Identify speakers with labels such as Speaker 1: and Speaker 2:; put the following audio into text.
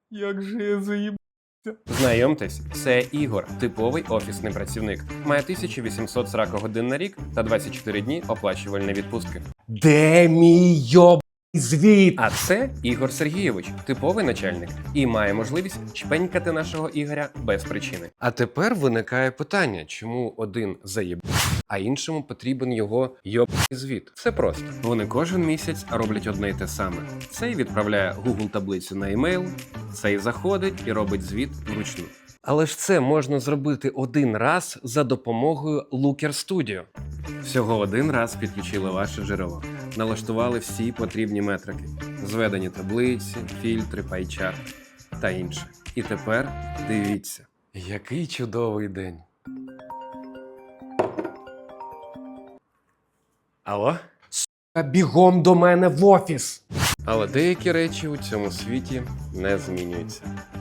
Speaker 1: Як же я заїбався.
Speaker 2: Знайомтесь, це Ігор, типовий офісний працівник. Має 1840 годин на рік та 24 дні оплачувальної відпустки.
Speaker 1: Де мій звіт?
Speaker 2: А це Ігор Сергійович, типовий начальник, і має можливість чпенькати нашого Ігоря без причини. А тепер виникає питання, чому один заєб, а іншому потрібен його звіт. Все просто. Вони кожен місяць роблять одне й те саме. Цей відправляє Google таблицю на емейл, цей заходить і робить звіт вручну. Але ж це можна зробити один раз за допомогою Looker Studio. Всього один раз підключили ваше джерело, налаштували всі потрібні метрики, зведені таблиці, фільтри, пайчарт та інше. І тепер дивіться, який чудовий день. Алло?
Speaker 1: Бігом до мене в офіс.
Speaker 2: Але деякі речі у цьому світі не змінюються.